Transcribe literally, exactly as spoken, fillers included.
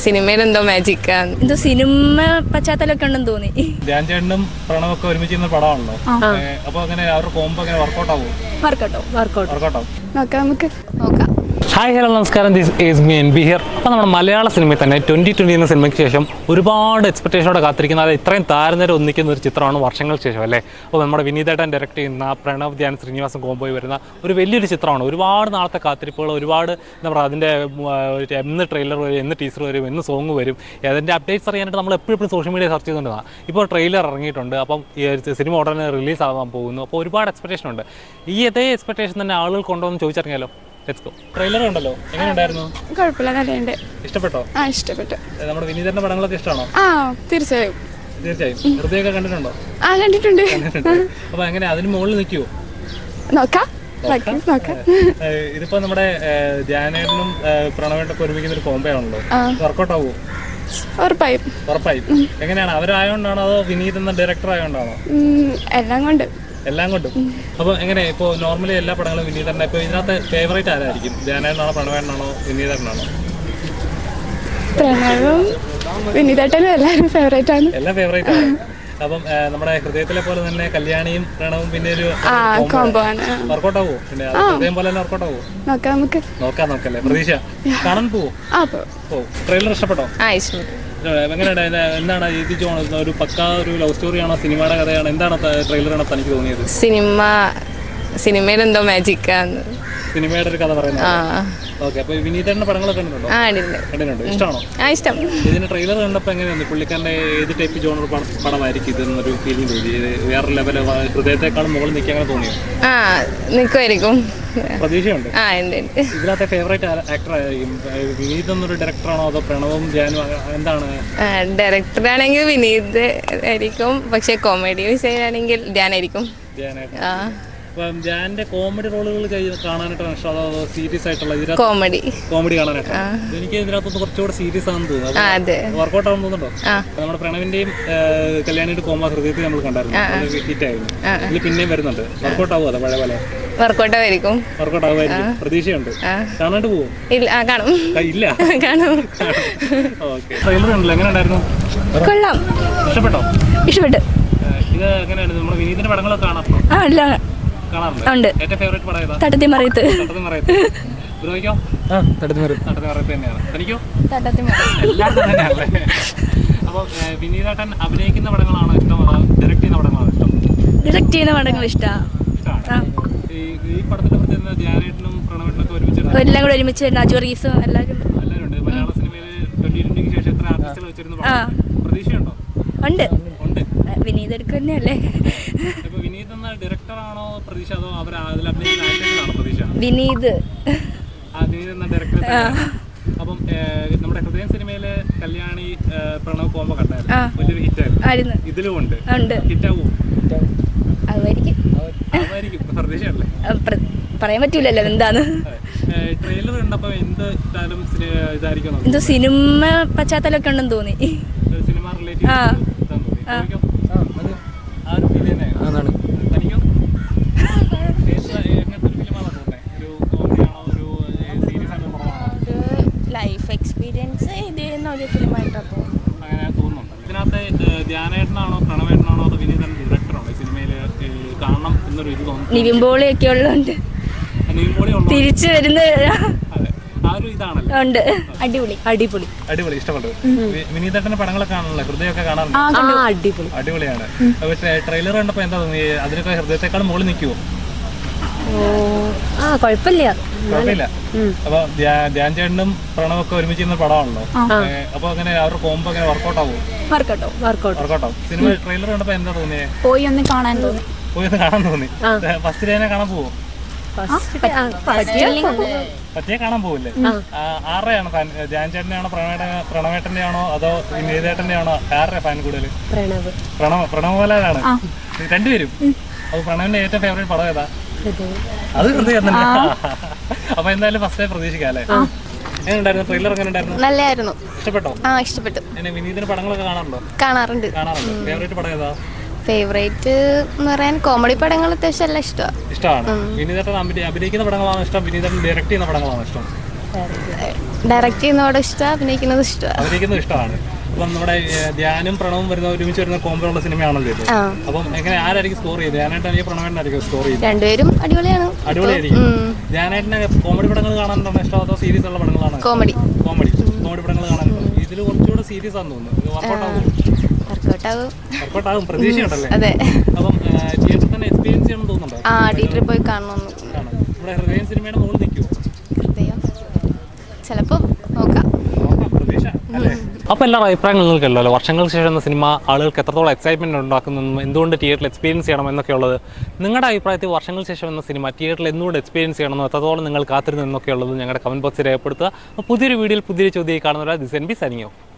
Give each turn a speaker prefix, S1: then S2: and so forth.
S1: സിനിമയിൽ എന്തോ മാജിക്
S2: എന്തോ സിനിമ പശ്ചാത്തലമൊക്കെ ഉണ്ടെന്ന് തോന്നി.
S3: ധ്യാൻ ചേട്ടനും പ്രണവൊക്കെ ഒരുമിച്ച് പടമാണല്ലോ. അപ്പൊ അങ്ങനെ അവരുടെ കോംബോ അങ്ങനെ വർക്കൗട്ട് ആവും.
S2: വർക്കൗട്ടോ വർക്കൗട്ട്
S3: വർക്കൗട്ട് ആവും.
S2: നോക്കാം നമുക്ക് നോക്കാം.
S3: ഹായ് ഹലോ നമസ്കാരം, this is me N B here. അപ്പോൾ നമ്മുടെ മലയാള സിനിമയിൽ തന്നെ ട്വൻറ്റി ട്വൻറ്റി എന്ന സിനിമയ്ക്ക് ശേഷം ഒരുപാട് എക്സ്പെക്ടേഷനോടെ കാത്തിരിക്കുന്ന, അത് ഇത്രയും താരനിര ഒന്നിക്കുന്ന ഒരു ചിത്രമാണ് വർഷങ്ങൾക്ക് ശേഷം അല്ലേ. അപ്പോൾ നമ്മുടെ വിനീതേട്ടൻ ഡയറക്റ്റ് ചെയ്യുന്ന പ്രണവ് ധ്യാൻ ശ്രീനിവാസൻ കോംബോയിൽ വരുന്ന ഒരു വലിയൊരു ചിത്രമാണ്. ഒരുപാട് നാളത്തെ കാത്തിരിപ്പുകൾ, ഒരുപാട് എന്താ പറയുക, അതിൻ്റെ എന്ന് ട്രെയിലർ വരും, എന്ന് ടീസർ വരും, എന്ന് സോങ് വരും, അതിൻ്റെ അപ്ഡേറ്റ്സ് അറിയാനായിട്ട് നമ്മൾ എപ്പോഴും എപ്പോഴും സോഷ്യൽ മീഡിയ സെർച്ച് ചെയ്തുകൊണ്ടാണ്. ഇപ്പോൾ ട്രെയിലർ ഇറങ്ങിയിട്ടുണ്ട്. അപ്പം ഈ സിനിമ ഉടനെ റിലീസ് ആകാൻ പോകുന്നു. അപ്പോൾ ഒരുപാട് എക്സ്പെക്ടേഷൻ ഉണ്ട്. ഈ അതേ എക്സ്പെക്ടേഷൻ തന്നെ ആളുകൾ കൊണ്ടുവന്ന് ചോദിച്ചിറങ്ങിയാലോ. ട്രെയിലർ ഉണ്ടല്ലോ, എങ്ങനെയുണ്ടായിരുന്നു?
S2: കുഴപ്പമില്ല, നല്ലുണ്ട്.
S3: ഇഷ്ടപ്പെട്ടോ?
S2: ആ ഇഷ്ടപ്പെട്ടു.
S3: നമ്മുടെ വിനീതന്റെ പടങ്ങളൊക്കെ ഇഷ്ടമാണോ?
S2: ആ തീർച്ചയായും
S3: തീർച്ചയായും. ഹൃദയമൊക്കെ കണ്ടിട്ടുണ്ടോ?
S2: ആ കണ്ടിട്ടുണ്ട്.
S3: അപ്പൊ എങ്ങനെ അതിന് മുകളിൽ നിൽക്കുവോ?
S2: നോക്കാം.
S3: ഇതിപ്പോ നമ്മുടെ ധ്യാനേട്ടനും പ്രണവേട്ടൊക്കെ ഒരുമിക്കുന്ന ഒരു കോംബോ ആണല്ലോ, വർക്കൗട്ട് ആവുമോ?
S2: ഉറപ്പായും
S3: ഉറപ്പായും. എങ്ങനെയാണ്, അവരായോണ്ടാണോ അതോ വിനീത് എന്ന ഡയറക്ടർ ആയോണ്ടാണോ?
S2: എല്ലാം കൊണ്ട്
S3: എല്ലാം കൊണ്ടും. അപ്പൊ എങ്ങനെ ഇപ്പൊ നോർമലി എല്ലാ പടങ്ങളും വിനീതന്റെ, ഇപ്പൊ ഇതിനകത്ത് ഫേവറേറ്റ് ആരായിരിക്കും? ധ്യാനേട്ടനാണോ പ്രണവേട്ടനാണോ വിനീതനാണോ?
S2: പ്രണവും വിനീതേട്ടനും എല്ലാവരും ഫേവറേറ്റ് ആണ്.
S3: എല്ലാം ഫേവറേറ്റ് ആണ്. അപ്പം നമ്മുടെ ഹൃദയത്തിലെ പോലെ തന്നെ കല്യാണിയും പ്രണവും പിന്നെ ഒരു
S2: കോംബോ ആണ്.
S3: വർക്കൗട്ട് ആവുമോ? പിന്നെ ഹൃദയം പോലെ തന്നെ വർക്കൗട്ട് ആവുമോ?
S2: നോക്കാം നമുക്ക്
S3: നോക്കാം നോക്കല്ലേ. പ്രതീക്ഷ കാണാൻ പോവോ? ഓ, ട്രെയിലർ ഇഷ്ടപ്പെട്ടോ? എങ്ങനെയാണ്, എന്താണ് ഇത് ഒരു പക്കാ ഒരു ലവ് സ്റ്റോറിയാണോ, സിനിമയുടെ കഥയാണോ, എന്താണ് ട്രെയിലറാണ് തനിക്ക് തോന്നിയത്?
S1: സിനിമ സിനിമയിൽ എന്തോ മാജിക്
S3: സിനിമയുടെ ഒരു കഥ പറയുന്നത്. ഓക്കെ, അപ്പൊ വിനീതന്റെ പടങ്ങളൊക്കെ കണ്ടിട്ടുണ്ടോ? കണ്ടിട്ടുണ്ട്. ഇഷ്ടമാണോ?
S1: ഇഷ്ടം.
S3: ഇതിന്റെ ട്രെയിലർ കണ്ടപ്പോ എങ്ങനെയാണ് പുള്ളിക്കാരന്റെ ഏത് ടൈപ്പ് ജോണർ പടമായിരിക്കും ഇതെന്നൊരു ഫീലിംഗ് തോന്നി? വേറെ ലെവല്, ഹൃദയത്തെക്കാളും മുകളിൽ നിൽക്കാൻ അങ്ങനെ തോന്നിയോ?
S1: ആ നിൽക്കുമായിരിക്കും,
S3: പ്രതീക്ഷയുണ്ട്.
S1: ആ ഉണ്ട്.
S3: ഇതിനകത്തെ ഫേവറേറ്റ് ആക്ടർ ആയിരിക്കും വിനീത് എന്നൊരു ഡയറക്ടറാണോ അതോ പ്രണവും ധ്യാനും, എന്താണ്?
S1: ഡയറക്ടർ ആണെങ്കിൽ വിനീത് ആയിരിക്കും, പക്ഷെ കോമഡി വിഷയമാണെങ്കിൽ ധ്യാനായിരിക്കും.
S3: ധ്യാന്റെ കോമഡി റോളുകൾ കാണാനായിട്ടാണ് ഇഷ്ടം അതോ സീരിയസ് ആയിട്ടുള്ള?
S1: കോമഡി
S3: കോമഡി കാണാനായിട്ടാണ്. എനിക്ക് ഇതിനകത്തൊന്ന് കുറച്ചുകൂടെ സീരിയസ് ആണെന്ന് തോന്നുന്നു. വർക്കൗട്ട് ആണെന്ന് തോന്നുന്നുണ്ടോ? നമ്മുടെ പ്രണവിന്റെയും കല്യാണിയുടെ കോമ ഹൃദയത്തിൽ നമ്മൾ കണ്ടായിരുന്നു, ഹിറ്റ് ആയിരുന്നു. ഇതിൽ പിന്നെയും വരുന്നുണ്ട്. വർക്കൗട്ട് ആവുമോ അതോ പഴയ പോലെ?
S1: വർക്കൗട്ട് ആയിരിക്കും.
S3: വർക്കൗട്ട് ആവുമായിരിക്കും, പ്രതീക്ഷയുണ്ട്. കാണാണ്ട് പോവും?
S1: ഇല്ല, കാണും.
S3: ഇല്ല,
S1: കാണും.
S3: ഓക്കെ. ട്രെയിലർ ഉണ്ടല്ലോ, എങ്ങനെ ഉണ്ടായിരുന്നു?
S2: കൊള്ളാം.
S3: ഇഷ്ടപ്പെട്ടോ?
S2: ഇഷ്ടപ്പെട്ടു.
S3: ഇത് എങ്ങനെയാണ്, നമ്മുടെ വിനീതിന്റെ പടങ്ങളൊക്കെ കാണാം?
S2: ഉണ്ട്.
S3: ഏറ്റവും ഫേവറേറ്റ് പടം ഏതാ?
S2: തട്ടത്തിമറയത്ത്.
S3: തട്ടത്തിമറയത്ത്. ബ്രോയ്ക്കോ? തട്ടത്തിമറയത്ത്. തട്ടത്തിമറയത്ത് തന്നെയാണ്. തനിക്കോ? എല്ലാവർക്കും തന്നെയാണല്ലേ. അപ്പോൾ വിനീതേട്ടൻ അഭിനയിക്കുന്ന പടങ്ങളാണോ ഇഷ്ടം അതോ ഡയറക്റ്റ് ചെയ്യുന്ന പടങ്ങളാണോ ഇഷ്ടം?
S2: ഡയറക്റ്റ് ചെയ്യുന്ന പടങ്ങൾ ഇഷ്ടമാണ്.
S3: ഈ പടത്തിന്റെ പ്രത്യേകത ധ്യാനേട്ടനും പ്രണവേട്ടനൊക്കെ ഒരുമിച്ച്
S2: എല്ലാം കൂടെ ഒരുമിച്ച് അജു റീസും എല്ലാവരും
S3: എല്ലാവരും ഉണ്ട്. മലയാള സിനിമയിൽ ട്വന്റി ട്വന്റിക്ക് ശേഷം എത്ര ആർട്ടിസ്റ്റുകൾ വെച്ചിരുന്നു? പ്രതീക്ഷയുണ്ടോ?
S2: ഉണ്ട്. വിനീത് എടുക്കുന്നല്ലേ.
S3: ഇപ്പൊ വിനീത് എന്ന ഡയറക്ടറാണോ പ്രതീക്ഷ അതോ അവർ അതിൽ അഭിനയിക്കുന്ന ആക്ടേഴ്സിനാണോ പ്രതീക്ഷ?
S2: വിനീത്.
S3: ആ, വിനീത് എന്ന ഡയറക്ടർ. അപ്പം നമ്മുടെ ഹൃദയം സിനിമയില് കല്യാണി പ്രണവ് കോംബോ കണ്ടായിരുന്നു, വലിയൊരു ഹിറ്റായിരുന്നു. ഇതിലും ഉണ്ട്. ഹിറ്റാവോ? പ്രതീക്ഷയല്ലേ?
S2: പറയാൻ പറ്റൂലല്ലോ എന്താണ്.
S3: ട്രെയിലർ കണ്ടപ്പോ എന്ത് ഇട്ടാലും ഇതായിരിക്കും,
S2: എന്തോ സിനിമ പശ്ചാത്തലമൊക്കെ ഉണ്ടെന്ന് തോന്നി.
S3: സിനിമ റിലേറ്റീവ് ആ ഒരു ഫീൽ തന്നെ അതാണ്. തനിക്കോ?
S2: ലൈഫ് എക്സ്പീരിയൻസ് ഇത് ചെയ്യുന്ന ഒരു ഫിലിമായിട്ടാണ് തോന്നുന്നു.
S3: അങ്ങനെ തോന്നുന്നുണ്ട്. ഇതിനകത്ത് ധ്യാനേട്ടനാണോ പ്രണവേട്ടനാണോ അതോ വിനീതൻ ഡയറക്ടറാണോ ഈ സിനിമയിൽ കാണണം എന്നൊരു ഇത് തോന്നുന്നു?
S2: നിവിൻ പോളിയൊക്കെ ഉള്ളതുകൊണ്ട് തിരിച്ചു വരുന്ന
S3: ആ ഒരു ഇതാണല്ലോ.
S2: ഉണ്ട്. അടിപൊളി അടിപൊളി
S3: അടിപൊളി. ഇഷ്ടപ്പെട്ടു. വിനീതേട്ടന്റെ പടങ്ങളൊക്കെ കാണാനല്ലോ, ഹൃദയമൊക്കെ കാണാറുണ്ട്.
S2: അടിപൊളി
S3: അടിപൊളിയാണ്. ട്രെയിലർ കണ്ടപ്പോ എന്താ തോന്നി? അതിനൊക്കെ ഹൃദയത്തെക്കാളും മുകളിൽ നിൽക്കുവോ?
S2: ആ കുഴപ്പമില്ല.
S3: കുഴപ്പമില്ല. അപ്പൊ ധ്യാൻ ചേട്ടനും പ്രണവൊക്കെ ഒരുമിച്ച് ചെയ്യുന്ന പടമാണല്ലോ. അപ്പൊ അങ്ങനെ അവരുടെ കോംബോ അങ്ങനെ വർക്കൗട്ട് ആവുമോ?
S2: വർക്കൗട്ടോ വർക്കൗട്ട്
S3: വർക്കൗട്ട് ആവും. സിനിമ ട്രെയിലർ കണ്ടപ്പോ എന്താ തോന്നിയേ?
S2: പോയി ഒന്ന് കാണാൻ തോന്നി.
S3: പോയി ഒന്ന് കാണാൻ തോന്നി. ഫസ്റ്റ് ഡേ കാണാൻ പോവോ? പറ്റിയെ കാണാൻ പോവില്ലേ? ആരുടെയാണ് ഫാൻ? ധ്യാൻ ചേട്ടന്റെ പ്രണവേട്ട പ്രണവേട്ടന്റെ ആണോ അതോ വിനീതേട്ടന്റെ ആണോ? ആരുടെ ഫാൻ കൂടുതൽ? പ്രണവ്. പ്രണവ് പോലാണ് രണ്ടുപേരും. അപ്പൊ പ്രണവിന്റെ ഏറ്റവും ഫേവറേറ്റ് പടം ഏതാ? അത് ഹൃദയം തന്നെ. അപ്പൊ എന്തായാലും ഫസ്റ്റ് ഡേ പ്രതീക്ഷിക്കാം അല്ലേ? എങ്ങനെയുണ്ടായിരുന്നു ട്രെയിലർ? എങ്ങനെ ഉണ്ടായിരുന്നു?
S1: നല്ലായിരുന്നു.
S3: ഇഷ്ടപ്പെട്ടോ?
S1: ആ ഇഷ്ടപ്പെട്ടു.
S3: വിനീതിന്റെ പടങ്ങളൊക്കെ കാണാറുണ്ടോ?
S1: കാണാറുണ്ട്.
S3: കാണാറുണ്ട്. ഫേവറേറ്റ് പടം ഏതാ?
S1: ഫേവറേറ്റ് എന്ന് പറയാൻ കോമഡി പടങ്ങൾ അത്യാവശ്യം എല്ലാം ഇഷ്ടമാണ്.
S3: ഇഷ്ടമാണ്. വിനീതേട്ടൻ അഭിനയിക്കുന്ന പടങ്ങളാണോ ഇഷ്ടം? വിനീതേട്ടൻ ഡയറക്ട് ചെയ്യുന്ന പടങ്ങളാണോ ഇഷ്ടം?
S2: ഡയറക്റ്റ് ചെയ്യുന്നതോടെ ഇഷ്ടമാണ്, അഭിനയിക്കുന്നത് ഇഷ്ടമാണ്.
S3: അഭിനയിക്കുന്നത് ഇഷ്ടമാണ്. അപ്പം നമ്മുടെ ഏഹ്, ധ്യാനും പ്രണവും വരുന്ന ഒരുമിച്ച് വരുന്ന കോംബോ ഉള്ള സിനിമയാണല്ലോ ഇത്.
S2: ആ
S3: അപ്പം എങ്ങനെ ആരായിരിക്കും സ്കോർ ചെയ്ത്? ധ്യാനായിട്ടാണെങ്കിൽ പ്രണവേട്ടനായിരിക്കും സ്കോർ ചെയ്ത്?
S2: രണ്ടുപേരും അടിപൊളിയാണ്.
S3: അടിപൊളിയായിരിക്കും. ധ്യാനായിട്ടിനെ കോമഡി പടങ്ങൾ കാണാനാണ് ഇഷ്ടം അതോ സീരീസ് ഉള്ള പടങ്ങളാണ്?
S2: കോമഡി
S3: കോമഡി കോമഡി പടങ്ങൾ കാണാനുണ്ട്. ഇതിൽ കുറച്ചുകൂടെ സീരീസ് ആണെന്ന് തോന്നുന്നു. ഇത് വർക്കൗട്ട് ആകും
S2: വർക്കൗട്ട് ആവും.
S3: വർക്കൗട്ട് ആകും പ്രതീക്ഷയുണ്ടല്ലേ?
S2: അതെ.
S3: അപ്പം തിയേറ്ററിൽ തന്നെ എക്സ്പീരിയൻസ് ചെയ്യണമെന്ന് തോന്നുന്നുണ്ടോ?
S2: ആ തിയേറ്ററിൽ പോയി കാണണമെന്ന്.
S3: ആണ്. ഇവിടെ ഹൃദയം സിനിമയുടെ മുകളിൽ നിൽക്കുമോ?
S2: ഹൃദയം ചിലപ്പോൾ നോക്കാം.
S3: നോക്കാം, പ്രതീക്ഷ അല്ലേ? അപ്പോൾ എല്ലാ അഭിപ്രായങ്ങൾ നിങ്ങൾക്കല്ലോ വർഷങ്ങൾക്ക് ശേഷം എന്ന സിനിമ ആളുകൾക്ക് എത്രത്തോളം എക്സൈറ്റ്മെൻറ്റ് ഉണ്ടാക്കുന്നതെന്നും എന്തുകൊണ്ട് തിയേറ്ററിൽ എക്സ്പീരിയൻസ് ചെയ്യണം എന്നൊക്കെയുള്ളത് നിങ്ങളുടെ അഭിപ്രായത്തിൽ വർഷങ്ങൾക്ക് ശേഷം എന്ന സിനിമ തിയേറ്ററിൽ എന്തുകൊണ്ട് എക്സ്പീരിയൻസ് ചെയ്യണമെന്നും എത്രത്തോളം നിങ്ങൾ കാത്തിരുന്നു എന്നൊക്കെയുള്ളത് ഞങ്ങളുടെ കമൻറ്റ് ബോക്സിൽ രേഖപ്പെടുത്തുക. അപ്പോൾ പുതിയൊരു വീഡിയോയിൽ പുതിയൊരു ചോദ്യം കാണുന്നവരാ this N B signing of.